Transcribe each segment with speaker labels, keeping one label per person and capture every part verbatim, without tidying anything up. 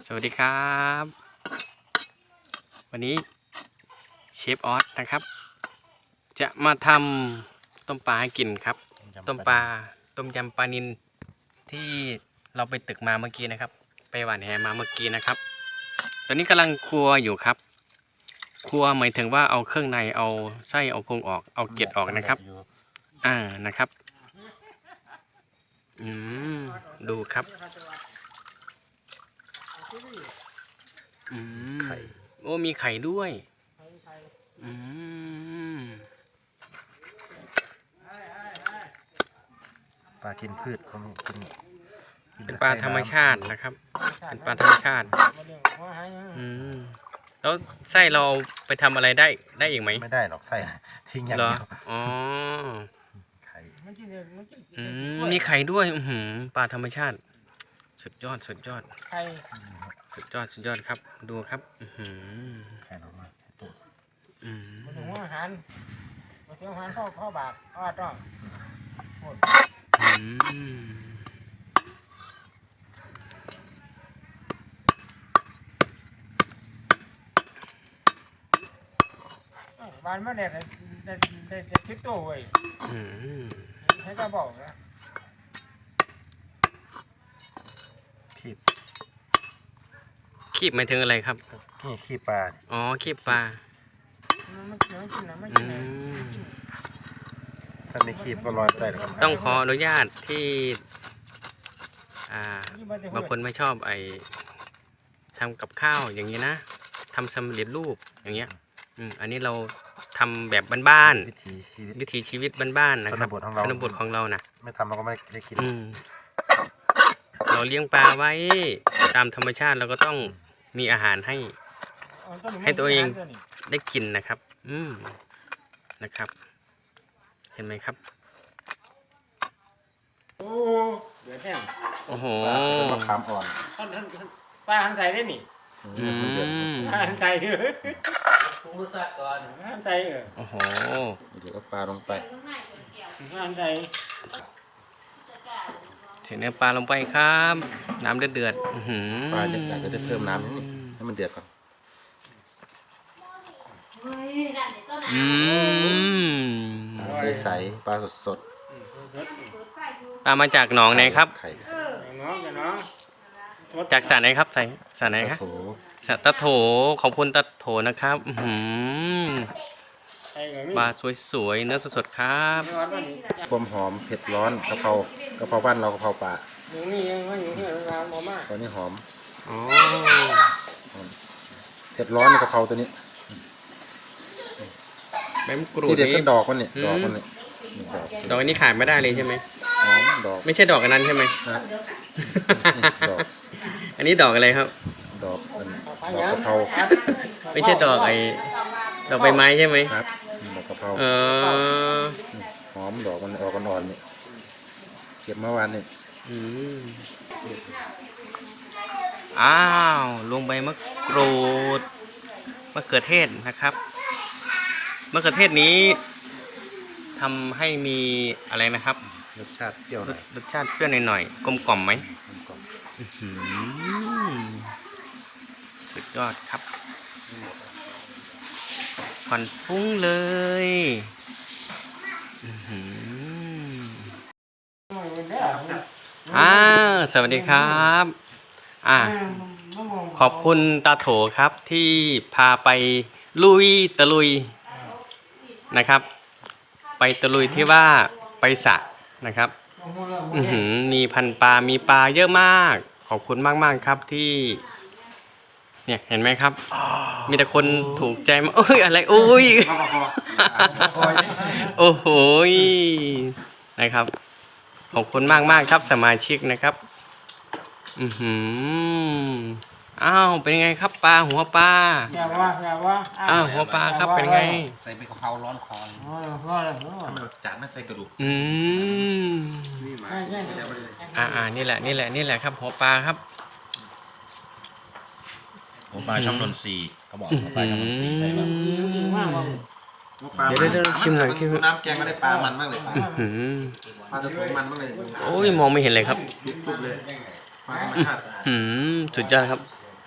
Speaker 1: สวัสดีครับวันนี้เชฟออสนะครับจะมาทำต้มปลาให้กินครับต้มปลาต้มยำปลานิลที่เราไปตึกมาเมื่อกี้นะครับไปหวานแหมาเมื่อกี้นะครับตอนนี้กำลังครัวอยู่ครับครัวหมายถึงว่าเอาเครื่องในเอาไส้เอาพุงออกเอาเกล็ดออกนะครับอ่านะครับอืมดูครับอืมโอ้มีไข่ด้วยอืม
Speaker 2: ปลากินพืชเขากิน
Speaker 1: เป็นปลาธรรมชาตินะครับเป็นปลาธรรมชาติอืมแล้วไส้เราไปทำอะไรได้ได้อีกไหม
Speaker 2: ไม่ได้หรอกไส้ทิ้งอย่าง
Speaker 1: เหรอ
Speaker 2: เดียว
Speaker 1: อ๋อ
Speaker 2: ไข่
Speaker 1: อืมมีไข่ด้วยอือหือปลาธรรมชาติสุดยอดสุดยอด
Speaker 3: ไข่
Speaker 1: สุดยอดสุดยอดครับดูครับอือหือ
Speaker 2: ไข่ออกมาตัว
Speaker 1: อืม
Speaker 3: มาถึงอาหารมาถึงอาหารพ่อพ่อบาทอ้อต้อง
Speaker 1: อืม
Speaker 3: บ้านมาเนี่ยได้ได้ได้ได้ชิปตัวเว้ย
Speaker 1: อืม
Speaker 3: ให้ก็บอกนะ
Speaker 2: คีบ
Speaker 1: คีบหมายถึงอะไรครับ
Speaker 2: นี่คีบปลา
Speaker 1: อ๋อคีบปลา
Speaker 3: มันมันมันกินนะมัน
Speaker 1: อื
Speaker 3: กินนะ
Speaker 1: ม
Speaker 2: ถ้าไม่คีบก็ลอยไม่ได้หรอกครับ
Speaker 1: ต้องขออนุญาตที่อ่าบางคนไม่ชอบไอ้ทำกับข้าวอย่างนี้นะทำสำเร็จรูปอย่างเงี้ยอืมอันนี้เราทำแบบบ้าน
Speaker 2: วิถีชีวิต
Speaker 1: ๆวิถีชีวิตบ้านๆนะครับ
Speaker 2: ชนบทของเรา
Speaker 1: ชนบทของเรานะ
Speaker 2: ไม่ทำเราก็ไม่ได้กิน
Speaker 1: อืมเราเลี้ยงปลาไว้ตามธรรมชาติเราก็ต้องมีอาหารให้ให้ตัวเองได้กินนะครับ อืมนะครับ เห็นไหมครับ
Speaker 3: โอ้เดือดแห้ง
Speaker 1: โอ้โห
Speaker 2: ปลาเป็นมะขามอ่อน
Speaker 3: ท่านท่านปลาหันใส่ได้นี่
Speaker 1: อืม
Speaker 3: ปลาหันใส่เออปรุงรสชาติก่อนหันใส่เออ
Speaker 1: โอ้โห
Speaker 2: เดี๋ยวก็ปลาลงไป
Speaker 3: หันใส่
Speaker 1: ใส่เนื้อปลาลงไปครับ น้ำเดือดเดือดอื้อหือ
Speaker 2: ปลาจะอยากจะได้เพิ่มน้ำนิดนึงให้มันเดือดก่อน
Speaker 1: อืม
Speaker 2: ใสๆปลาสด
Speaker 1: ปลามาจากหนองไหนครับ
Speaker 2: ไข่
Speaker 3: น้องกันเนาะ
Speaker 1: จากสระไหนครับใส่สระไหนครับ
Speaker 2: โถ
Speaker 1: สระตะโถขอบคุณตะโถนะครับอื้อหือ
Speaker 3: ใส่กับมี
Speaker 1: ปลาสวยๆเนื้อสดๆครับ
Speaker 3: ไม่ว่าตอนนี้
Speaker 2: ความหอมเผ็ดร้อนกะเพรากะเพราบ้านเรากะเพราป่า
Speaker 3: อยู่นี่ยังไม่อยู่ที่ร้านหมอมาก
Speaker 2: ตอนนี้หอม
Speaker 1: อ๋อ
Speaker 2: เผ็ดร้อนในกะเพราตัวนี้
Speaker 1: ใบมะกรูด
Speaker 2: ที่เด็ด
Speaker 1: นี่
Speaker 2: ก็ดอกมันเนี่ยดอกมันเนี่ยนี่ดอก
Speaker 1: ดอกอันนี้ขาดไม่ได้เลยใช่ไหม
Speaker 2: หอมดอก
Speaker 1: ไม่ใช่ดอกอันนั้นใช่ไหม
Speaker 2: นะดอก
Speaker 1: อันนี้ดอกอะไรครับ
Speaker 2: ดอกมันดอกกะเพรา
Speaker 1: ไม่ใช่ดอกไอ้ดอกใบไม้ใช่ไหม
Speaker 2: ครับดอกกะเพรา
Speaker 1: เออ
Speaker 2: หอมดอกมันออกอ่อนๆเนี่ยเก็บเมื่อวานเนี่ย
Speaker 1: อืมอ้าวลงใบมะกรูดมะเขือเทศนะครับมะเขือเทศนี้ทำให้มีอะไรนะครับ
Speaker 2: รสชาติเปรี้ยวห
Speaker 1: ร
Speaker 2: น่อ
Speaker 1: ส
Speaker 2: ย
Speaker 1: รสชาติเปรี้ยวหน่อยๆกลมกล่อมไหม
Speaker 2: กลม
Speaker 1: อื้อหือสุดยอดครับควันฟุ้งเลยอื้อหืออ้าวสวัสดีครับอ่าขอบคุณตาโถครับที่พาไปลุยตะลุยนะครับ ไปตะลุยที่ว่าไปสระนะครับ อือหือมีพันปลา มีปลาเยอะมาก ขอบคุณมากมากๆครับที่ เนี่ยเห็นไหมครับ มีแต่คนถูกใจมาโอ้ยอะไรโอ้ย โอ้โหนะครับ ขอบคุณมากมากๆครับสมาชิกนะครับ อือหืออ้าวเป็นไงครับปลาหัวปลา
Speaker 3: อย่าว่าอย่าว่า
Speaker 1: อ้าวหัวปลาครับเป็นไง
Speaker 2: ใส่ใบกะเพราร้อนคอ
Speaker 3: อ๋อว่าเลย
Speaker 2: ทำไมจานไม่ใส่กระดูก
Speaker 1: อืม
Speaker 2: นี่มา
Speaker 3: ใช่ใช่
Speaker 1: อ่าอ่านี่แหละนี่แหละนี่แหละครับ หัวปลาครับ
Speaker 4: หัวปลาช่องนนทรีย์เขาบอกหัวปลาช่องนนทรีย์ใช่ป่ะ
Speaker 3: มากว่า
Speaker 1: เดี๋ยวเดี๋ยวชิมหน่อยชิมหน่อย
Speaker 2: น้ำแกงก็ได้ปลามันมากเลย
Speaker 1: อื้อหือ
Speaker 2: ปลาตะโพงมันมากเลย
Speaker 1: โอ้ยมองไม่เห็นเลยครับ
Speaker 2: จุ๊บๆเลยปลาธรรมชาติสะอาด
Speaker 1: อืมสุดยอดครับ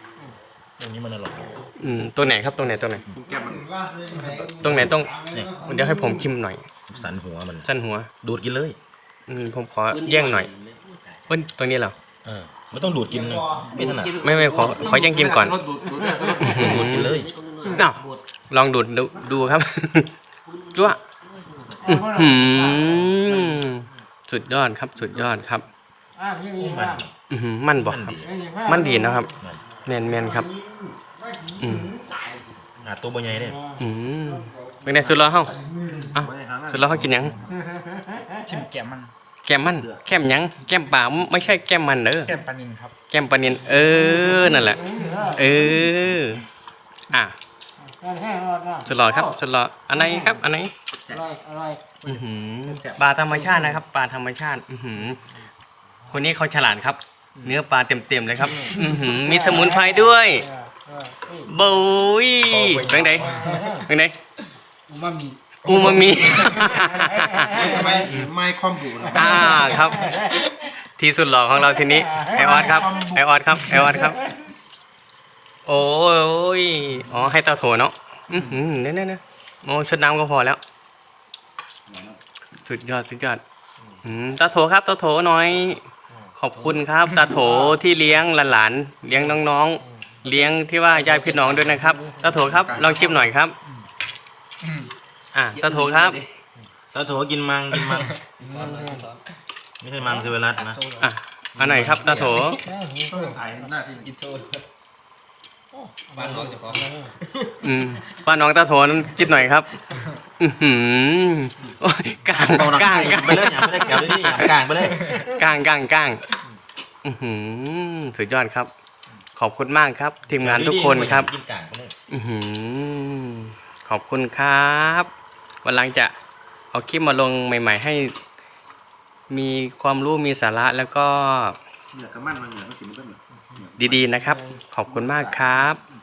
Speaker 4: รงนี้มันอร่อย
Speaker 1: อืมตัวไหนครับตรงไหนตรงไหน
Speaker 2: แก้มมัน
Speaker 1: ตรงไหนต้อง
Speaker 4: เนี่ย
Speaker 1: เดี๋ยวให้ผมชิมหน่อย
Speaker 4: สันหัวมัน
Speaker 1: สั้นหัว
Speaker 4: ดูดกินเลย
Speaker 1: อืมผมขอแย่งหน่อยเอ้ยตรงนี้เหรอ
Speaker 4: เออไม่ต้องดูดกินนะไม่ถนัด
Speaker 1: ไม่ไม่ขอขอแย่งกินก่อน
Speaker 2: รถดูดดูดได้รถ
Speaker 4: ต้องดูดกินเลย
Speaker 1: อ้าวลองดูดดูดูครับ จ้วะอื้อหือสุดยอดครับสุดยอดครับ
Speaker 3: อ่าพี่มีบ้าง
Speaker 1: อื้อหือมันบอก
Speaker 4: มัน
Speaker 1: ครับ
Speaker 4: ดี
Speaker 1: มันดีนะครับ
Speaker 4: มัน
Speaker 1: แมนแมนครับ อืม
Speaker 4: หาตัวบ่ใหญ่เนี่ย
Speaker 1: อืมเป็นไงสุดรอเฮาอ่ะสุดรอเฮากินหยัง
Speaker 3: ชิมแก้มมัน
Speaker 1: แก้มมันแก้มหยังแก้มป่าไม่ใช่แก้มมันเด้อ
Speaker 3: แก้มปลานินครับ
Speaker 1: แก้มปลานินเออนั่นแหละ เอออ่ะ
Speaker 3: แห้งรอดนะ
Speaker 1: สุดรอครับสุดรออันไหนครับอันไหน
Speaker 3: อร่อยอร่อย
Speaker 1: อื้อหือปลาธรรมชาตินะครับปลาธรรมชาติ อื้อหือคนนี้เขาฉลาดครับ เนื้อปลาเต็มๆเลยครับ อื้อหือมีสมุนไพรด้วย
Speaker 3: เออเออนี่
Speaker 1: บุยเป็นไงเป็นไง
Speaker 2: อูมามิ
Speaker 1: อูมามิ
Speaker 2: ทำไมไม่คอมบูนะ
Speaker 1: อ่าครับ ที่สุดหล่อของเราทีนี้ไอออสครับไอออสครับไอออสครับ โอ้ยอ๋อให้เตาโถเนาะอือหือเนี่ยเนี่ยเนี่ยโอ้ชุดน้ำก็พอแล้ว สุดยอดสุดยอดอืมตาโถครับตาโถหน่อย ขอบคุณครับตาโถที่เลี้ยงหลานๆเลี้ยงน้องๆ เลี้ยงที่ว่าญาติพี่น้องด้วยนะครับตาโถครับลองจิ้มหน่อยครับอ่ะตาโถครับ
Speaker 4: ตาโถกินมังกินมังไม่ใช่มังเซเวรัสนะ
Speaker 1: อ่ะอันไหนครับตาโถ
Speaker 2: ต้องถ่ายหน้าที่กินโซ่
Speaker 3: บ้านน้องจะพร้อม
Speaker 1: อืมป้าน้องตาโถนั้นกินหน่อยครับ อือหือโอ้ยกลางกลางกลาง
Speaker 4: ไปเลยอย่าไปเลยแกวเลยนี่อย่ากลางไปเลย
Speaker 1: กลางกลางกลางอือหือสุดยอดครับ ขอบคุณมากครับ ทีมงานทุกคนครับ
Speaker 4: กินกลางไปเลย
Speaker 1: อือหือขอบคุณครับวันหลังจะเอาคลิปมาลงใหม่ ๆ ให้ มีความรู้มีสาระแล้วก็
Speaker 2: เนี่ยกระมันมันเนี่ยมันกินมันก็เนี่ย
Speaker 1: ดีๆนะครับ ขอบคุณมากครับ